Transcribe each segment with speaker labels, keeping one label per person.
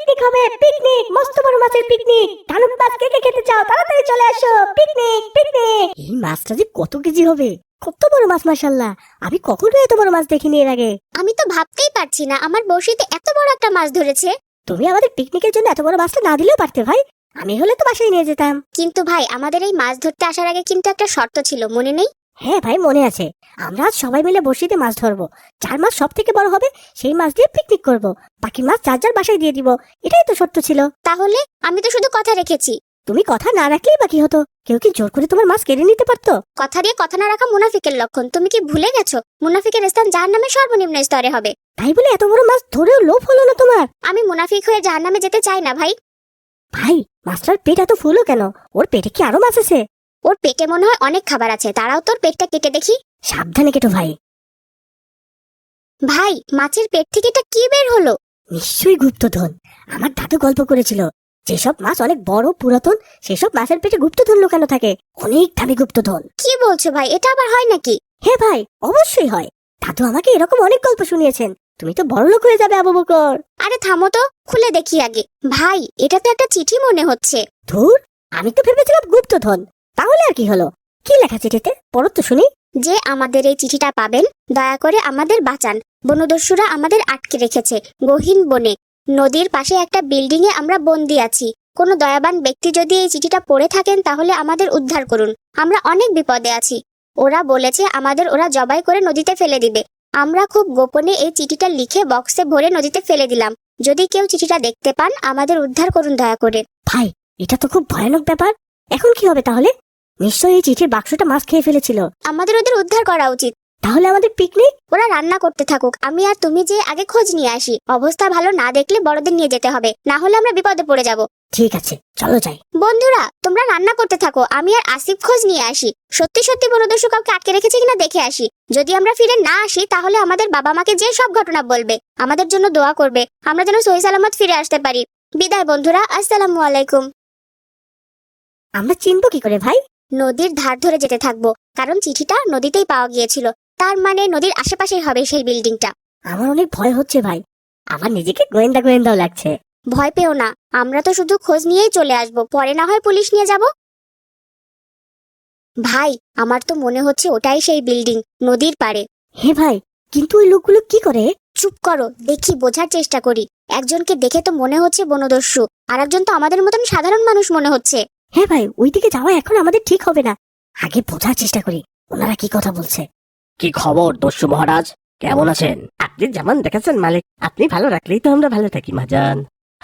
Speaker 1: Picnic হবে, picnic, মস্ত বড় মাছের পিকনিক। ধানুক মাছ কে কে খেতে চাও তাড়াতাড়ি চলে আসো, পিকনিক পিকনিক। এই মাছটা যে কত কেজি হবে, কত বড় মাছ, মাশাআল্লাহ। আমি কখনো এত বড় মাছ দেখিনি এর আগে।
Speaker 2: আমি তো ভাবতেই পারছি না আমার বড়শিতে এত বড় একটা মাছ ধরেছে।
Speaker 1: তুমি আমাদের পিকনিকের জন্য এত বড় মাছটা না দিলেও পারতে ভাই, আমি হলে তো বাসায় নিয়ে যেতাম।
Speaker 2: কিন্তু ভাই আমাদের এই মাছ ধরতে আসার আগে কিন্তু একটা শর্ত ছিল, মনে নেই?
Speaker 1: হ্যাঁ ভাই, মনে আছে। আমরা আজ সবাই মিলে বড়শিতে মাছ ধরবো, যার মাছ সব থেকে বড় হবে সেই মাছ দিয়ে পিকনিক করব। বাকি মাছ যার যার বাসায় দিয়ে দিব, এটাই তো শর্ত ছিল।
Speaker 2: তাহলে আমি তো শুধু কথা রেখেছি।
Speaker 1: তুমি কথা না রাখলেই বাকি হতো, কেউ কি জোর করে তোমার মাছ কেড়ে নিতে পারতো?
Speaker 2: কথা দিয়ে কথা না রাখা মুনাফিকের লক্ষণ। তুমি কি ভুলে গেছো মুনাফিকের স্থান জাহান্নামের সর্বনিম্ন স্তরে হবে?
Speaker 1: তাই বলে এত বড় মাছ ধরেও লোভ হলো না তোমার?
Speaker 2: আমি মুনাফিক হয়ে জাহান্নামে যেতে চাই না ভাই।
Speaker 1: ভাই, মাছটার পেট এত ফুলো কেন? ওর পেটে কি আরো মাছ আছে?
Speaker 2: ওর পেটে মনে হয় অনেক খাবার আছে, তারাও তোর পেটটা কেটে দেখি।
Speaker 1: সাবধানে কেটো ভাই।
Speaker 2: ভাই মাছের পেট থেকে এটা কি বের হলো?
Speaker 1: নিশ্চয়ই গুপ্তধন। আমার দাদু গল্প করেছিল, যেসব মাছ অনেক বড় পুরাতন সেসব মাছের পেটে গুপ্তধন লুকানো থাকে, অনেক দামি গুপ্তধন।
Speaker 2: কি বলছো ভাই, এটা আবার হয় নাকি?
Speaker 1: হ্যাঁ ভাই, অবশ্যই হয়। দাদু আমাকে এরকম অনেক গল্প শুনিয়েছেন। তুমি তো বড়লোক হয়ে যাবে আবু বকর।
Speaker 2: আরে থামো তো, খুলে দেখি আগে। ভাই এটা তো একটা চিঠি মনে হচ্ছে।
Speaker 1: ধুর, আমি তো ভেবেছিলাম গুপ্তধন। তাহলে আর কি হলো? কি লেখা চিঠিতে, পড়ো তো শুনি।
Speaker 2: যে আমাদের এই চিঠিটা পাবেন, দয়া করে আমাদের বাঁচান। বনদস্যুরা আমাদের আটকে রেখেছে গহীন বনে। নদীর পাশে একটা বিল্ডিং এ আমরা বন্দি আছি। কোনো দয়াবান ব্যক্তি যদি এই চিঠিটা পড়ে থাকেন তাহলে আমাদের উদ্ধার করুন। আমরা অনেক বিপদে আছি। ওরা বলেছে আমাদের ওরা জবাই করে নদীতে ফেলে দিবে। আমরা খুব গোপনে এই চিঠিটা লিখে বক্সে ভরে নদীতে ফেলে দিলাম। যদি কেউ চিঠিটা দেখতে পান আমাদের উদ্ধার করুন দয়া করে।
Speaker 1: ভাই, এটা তো খুব ভয়ানক ব্যাপার। এখন কি হবে তাহলে? নিশ্চয়ই এই চিঠির বাক্সটা মাছ খেয়ে ফেলেছিল।
Speaker 2: আমাদের ওদের উদ্ধার করা উচিত।
Speaker 1: তাহলে আমাদের পিকনিক?
Speaker 2: ওরা রান্না করতে থাকুক, আমি আর তুমি যে আগে খোঁজ নিয়ে আসি। অবস্থা ভালো না দেখলে বড়দের নিয়ে যেতে হবে, না হলে আমরা বিপদে পড়ে যাব।
Speaker 1: ঠিক আছে, চলো যাই।
Speaker 2: বন্ধুরা তোমরা রান্না করতে থাকো, আমি আর আসিফ খোঁজ নিয়ে আসি। সত্যি সত্যি বনদস্যু কাউকে আটকে রেখেছে কিনা দেখে আসি। যদি আমরা ফিরে না আসি তাহলে আমাদের বাবা মাকে যে সব ঘটনা বলবে, আমাদের জন্য দোয়া করবে, আমরা যেন সহি সালামত ফিরে আসতে পারি। বিদায় বন্ধুরা, আসসালামু আলাইকুম।
Speaker 1: আমরা চিনবো কি করে ভাই?
Speaker 2: নদীর ধার ধরে যেতে থাকবো, কারণ চিঠিটা নদীতেই পাওয়া গিয়েছিল। তার মানে নদীর আশেপাশেই হবে সেই বিল্ডিংটা।
Speaker 1: আমার অনেক ভয় হচ্ছে ভাই, আমার নিজেকে গোয়েন্দা গোয়েন্দাও লাগছে।
Speaker 2: ভয় পেও না, আমরা তো শুধু খোঁজ নিয়েই চলে আসবো, পরে না হয় পুলিশ নিয়ে যাব। ভাই আমার তো মনে হচ্ছে ওটাই সেই বিল্ডিং, নদীর পাড়ে।
Speaker 1: হে ভাই, কিন্তু ওই লোকগুলো কি করে?
Speaker 2: চুপ করো, দেখি বোঝার চেষ্টা করি। একজনকে দেখে তো মনে হচ্ছে বনদস্যু, আর একজন তো আমাদের মতন সাধারণ মানুষ মনে হচ্ছে।
Speaker 1: হ্যাঁ ভাই, ওইদিকে যাওয়া এখন আমাদের ঠিক হবে না। আগে বোঝার চেষ্টা করি ওনারা কি কথা বলছে।
Speaker 3: কি খবর দস্যু মহারাজ, কেমন আছেন? আপনি যেমন দেখেছেন মালিক, আপনি ভালো রাখলেই তো আমরা ভালো থাকি মহাজন।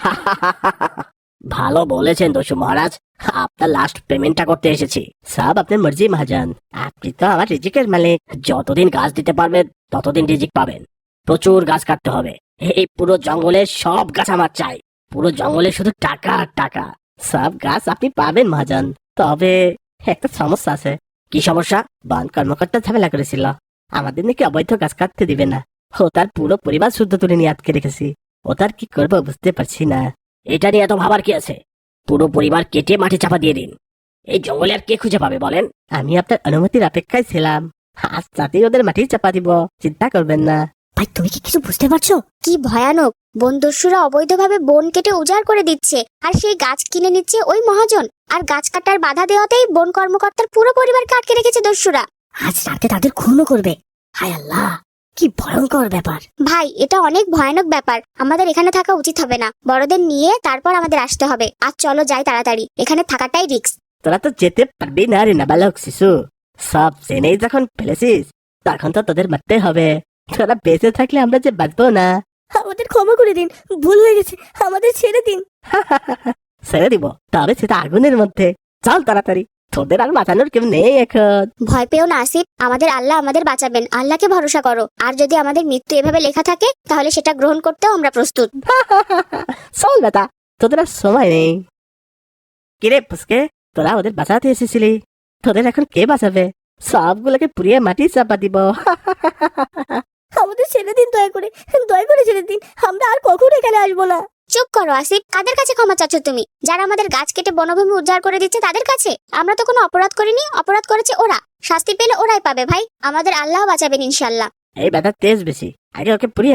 Speaker 3: ভালো বলেছেন দস্যু মহারাজ, আপনার লাস্ট পেমেন্টটা করতে এসেছি। সব আপনার মর্জি মহাজন, আপনি তো আমার রিজিকের মালিক। যতদিন গাছ দিতে পারবেন ততদিন রিজিক পাবেন। প্রচুর গাছ কাটতে হবে, এই পুরো জঙ্গলের সব গাছ আমার চাই। পুরো জঙ্গলে শুধু টাকা আর টাকা। সব গাছ আপনি পাবেন মহাজন, তবে একটা সমস্যা আছে। কি সমস্যা? বন কর্মকর্তা ঝামেলা করেছিল, আমাদের নাকি অবৈধ গাছ কাটতে দিবে না। ও তার পুরো পরিবার শুদ্ধ তুলে নিয়ে আটকে রেখেছি। ও তার কি করবো বুঝতে পারছি না। এটা নিয়ে এত ভাবার কি আছে? পুরো পরিবার কেটে মাটি চাপা দিয়ে দিন। এই জঙ্গলে আর কে খুঁজে পাবে বলেন? আমি আপনার অনুমতির অপেক্ষায় ছিলাম, আজ রাতেই ওদের মাটি চাপা দিব, চিন্তা করবেন না।
Speaker 1: ভাই, তুমি কি কিছু বুঝতে পারছো?
Speaker 2: কি ভয়ানক! বনদস্যুরা অবৈধভাবে বন কেটে উজাড় করে দিচ্ছে, আর সেই গাছ কিনে নিচ্ছে ওই মহাজন। আর গাছ কাটার বাধা দেওয়াতেই বন কর্মকর্তার পুরো পরিবারকে আটকে রেখেছে দস্যুরা।
Speaker 1: আজ রাতে তাদের খুনও করবে। হায় আল্লাহ, কি ভয়ঙ্কর ব্যাপার।
Speaker 2: ভাই এটা অনেক ভয়ানক ব্যাপার, আমাদের এখানে থাকা উচিত হবে না। বড়দের নিয়ে তারপর আমাদের আসতে হবে। আজ চলো যাই তাড়াতাড়ি, এখানে থাকাটাই রিস্ক।
Speaker 3: তোরা তো যেতে পারবি না রে নাবালক শিশু। সব জেনেই যখন ফেলেছিস তখন তো তোদের মারতে হবে। তোরা বেঁচে থাকলে আমরা যে বাঁচবো না।
Speaker 1: আমাদের ক্ষমা করে দিন, ভুল হয়ে গেছে, আমাদের ছেড়ে দিন।
Speaker 3: ছেড়ে দিব, তবে সেটা আগুনের মধ্যে। চল তাড়াতাড়ি, তোদের আর বাঁচানোর কেউ নেই এখন।
Speaker 2: ভয় পেও না আসিফ, আমাদের আল্লাহ আমাদের বাঁচাবেন, আল্লাহকে ভরসা করো। আর যদি আমাদের মৃত্যু এভাবে লেখা থাকে তাহলে সেটা গ্রহণ করতেও আমরা প্রস্তুত।
Speaker 3: চল বেটা, তোদের আর সময় নেই। কিরে পুচকে, তোরা ওদের বাঁচাতে এসেছিলি, তোদের এখন কে বাঁচাবে? সবগুলোকে পুড়িয়ে মাটি চাপা দিব।
Speaker 1: আমাদের ছেড়ে দিন, দয়া করে, দয়া করে ছেড়ে দিন। আমরা আর কখনো এখানে আসবো না।
Speaker 2: চুপ করো আসিফ, কাদের কাছে ক্ষমা চাচ্ছ তুমি? যারা আমাদের গাছ কেটে বনভূমি উদ্ধার করে দিচ্ছে তাদের কাছে? আমরা তো কোনো অপরাধ করিনি, অপরাধ করেছে ওরা। শাস্তি পেলে ওরাই পাবে ভাই, আমাদের আল্লাহ বাঁচাবেন ইনশাল্লাহ।
Speaker 3: এই বেটা তেজ বেশি, আগে ওকে পুড়িয়ে নে,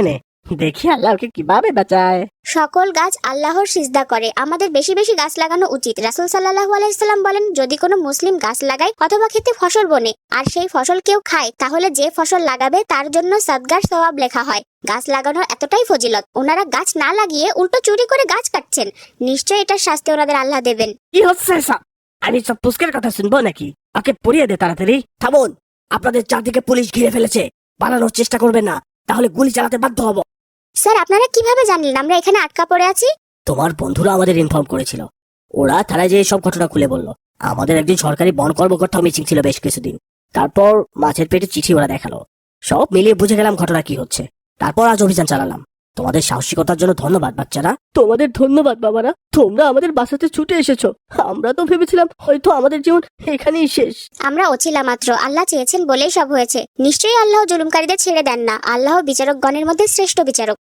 Speaker 3: দেখি আল্লাহ ওকে কিভাবে বাঁচায়।
Speaker 2: সকল গাছ আল্লাহর সিজদা করে, আমাদের বেশি বেশি গাছ লাগানো উচিত। রাসূল সাল্লাল্লাহু আলাইহি সাল্লাম বলেন, যদি কোনো মুসলিম গাছ লাগায় অথবা খেতে ফসল বনে আর সেই ফসল কেউ খায়, তাহলে যে ফসল লাগাবে তার জন্য সদকার সওয়াব লেখা হয়। গাছ লাগানোর এতটাই ফজিলত, ওনারা গাছ না লাগিয়ে উল্টো চুরি করে গাছ কাটছেন। নিশ্চয়ই এটার শাস্তি ওনাদের আল্লাহ দেবেন।
Speaker 3: কি হচ্ছে সব? আমি সব পুস্কের কথা শুনবো নাকি? ওকে পুড়িয়ে দে তাড়াতাড়ি। থামুন, আপনাদের চারদিকে পুলিশ ঘিরে ফেলেছে, পালানোর চেষ্টা করবেন না, তাহলে গুলি চালাতে বাধ্য হব।
Speaker 2: স্যার, আপনারা কিভাবে জানলেন আমরা এখানে আটকা পড়ে আছি?
Speaker 3: তোমার বন্ধুরা আমাদের ইনফর্ম করেছিল, ওরা থানায় যে সব ঘটনা খুলে বলল। আমাদের একজন সরকারি বন কর্মকর্তা মিটিং ছিল বেশ কিছুদিন, তারপর মাছের পেটে চিঠি ওরা দেখালো। সব মিলিয়ে বুঝে গেলাম ঘটনা কি হচ্ছে, তারপর আজ অভিযান চালালাম। তোমাদের সাহসিকতার জন্য ধন্যবাদ বাচ্চারা। তোমাদের ধন্যবাদ বাবারা, তোমরা আমাদের বাঁচাতে ছুটে এসেছো। আমরা তো ভেবেছিলাম হয়তো আমাদের জীবন এখানেই শেষ।
Speaker 2: আমরা অছিলা মাত্র, আল্লাহ চেয়েছেন বলেই সব হয়েছে। নিশ্চয়ই আল্লাহ জুলুমকারীদের ছেড়ে দেন না। আল্লাহ বিচারকগণের মধ্যে শ্রেষ্ঠ বিচারক।